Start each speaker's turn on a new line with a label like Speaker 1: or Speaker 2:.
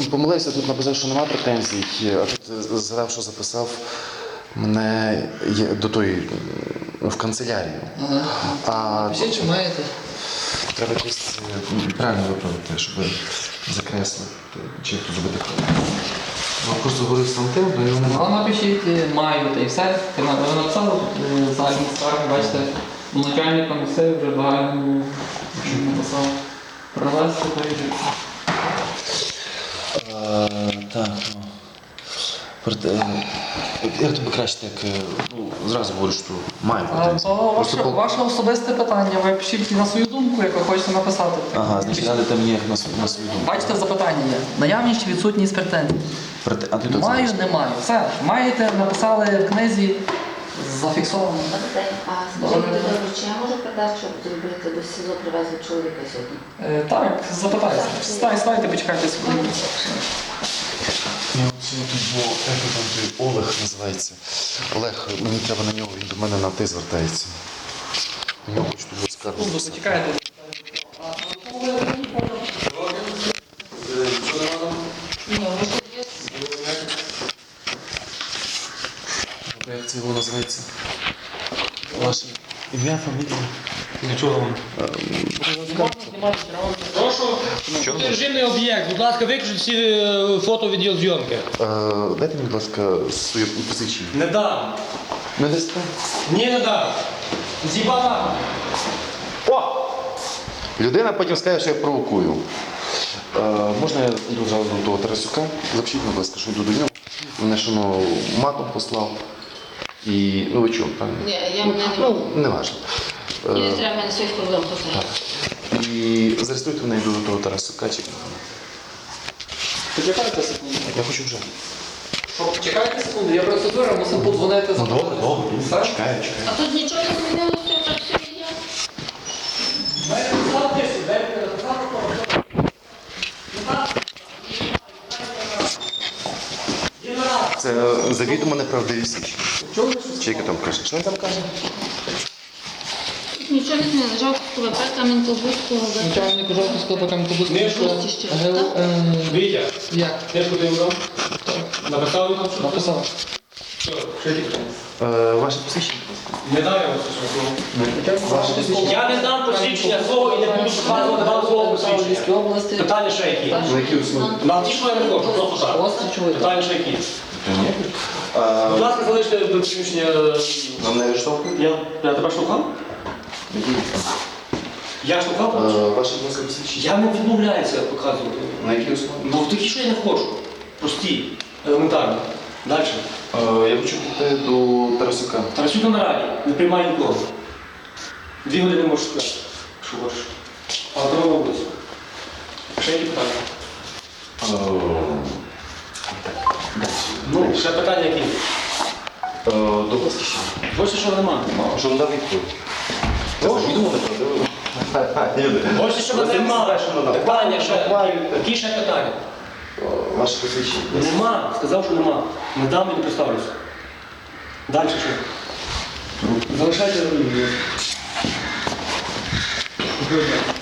Speaker 1: помилився, тут написав, що немає претензій, а тут згадав, що записав мене до тої, в канцелярію.
Speaker 2: Ага. Пишіть, що маєте.
Speaker 1: Треба якось правильно виправити, щоб закреслити, чи хто зробити правильно. Просто говорив з тим, до його немає.
Speaker 2: Напишіть, маю, та і все. Ви написали загальні скарги, бачите, начальник комісії вже загальному написав. Провести перевірку.
Speaker 1: Так, ну. Як тобі краще, так, зразу говорю, що має бути.
Speaker 2: Ваше особисте питання, ви пишіть на свою думку, як ви хочете написати.
Speaker 1: Ага, значить, дали там є на свою думку.
Speaker 2: Бачите, запитання є. Наявність чи відсутність претензій? Маю, не маю. Все, маєте, написали в книзі, зафіксовано.
Speaker 3: А скажіть, чи я можу передати, щоб зробити до СІЗО привезли чоловіка сьогодні?
Speaker 2: Так, запитайте. Ставайте, почекайте секунду.
Speaker 1: Як там той Олег називається? Олег, мені треба на нього, він до мене на ти звертається. У нього хочу тут скаргу.
Speaker 2: Почекайте.
Speaker 1: Як це його називається? Ваше ім'я, фамілія?
Speaker 4: Нічого вам. Прошу, режимний об'єкт. Будь ласка, виключіть всі фото відеозйомки.
Speaker 1: Дайте мені, будь ласка, своє посвідчення.
Speaker 4: Не дам.
Speaker 1: Не дасте?
Speaker 4: Ні, не дам. Зібана.
Speaker 1: О! Людина потім скаже, що я провокую. Можна я йду зразу до того Тарасюка? Запишіть, будь ласка, що йду до нього. Мене ж воно матом послав. І, ну ви чого, правильно?
Speaker 3: Ні, я мене не можу.
Speaker 1: Не важливо.
Speaker 3: Мені не треба, мене своїх проблем поставити.
Speaker 1: І зареєструйте мене, йду до того Тарасюка.
Speaker 2: Почекайте секунду.
Speaker 1: Я хочу вже.
Speaker 2: Чекайте секунду, я процедура, мусив подзвонити за
Speaker 1: Добре.
Speaker 2: Все?
Speaker 1: Чекаю.
Speaker 3: А тут нічого не змінилося, так все є.
Speaker 1: Це завідомо неправдиві січі. Чи яке там каже? Що він там каже?
Speaker 3: Нічого не змінилося. Жалко, ВП Кам'янка-Бузького.
Speaker 2: Начальник Жовтівського Кам'янка-Бузького.
Speaker 4: Вітя,
Speaker 2: Як?
Speaker 4: книжку ти вибрав? Написав там що?
Speaker 2: Написав.
Speaker 4: Все, ще ті питання.
Speaker 1: Ваше посвідчення?
Speaker 4: Не дай я вам це слово. Я не дам посвідчення свого і не буду показувати вам свого посвідчення.
Speaker 2: Львівській області.
Speaker 4: Питання ще які?
Speaker 1: На які основі?
Speaker 4: На ті, що я не хочу, просто так.
Speaker 2: Острий чоловік.
Speaker 4: Питання ще які? Будь ласка, залиште приміщення.
Speaker 1: Вам не арештовують?
Speaker 4: Я тебе штовхав? Я штовхав?
Speaker 1: Ваше посвідчення?
Speaker 4: Я не відмовляюся показувати.
Speaker 1: На які основі?
Speaker 4: Ну такі, що я не хочу. Прості, елементарні. Далі.
Speaker 1: Я хочу піти до Тарасюка.
Speaker 4: Тарасюк на раді, не приймає нікого. 2 години можеш спати, що хочеш. А до вулиці. Ще які питання? Ну, ще питання які?
Speaker 1: До посвідчення.
Speaker 4: Більше що немає.
Speaker 1: Що надав відповідь? Це завідомо неправдиво.
Speaker 4: Більше що немає. Питання ще. Які ще питання?
Speaker 1: Ваше посвідчення.
Speaker 4: Нема. Сказав, що нема. Не дам і не представлюся. Далі що? Залишайте.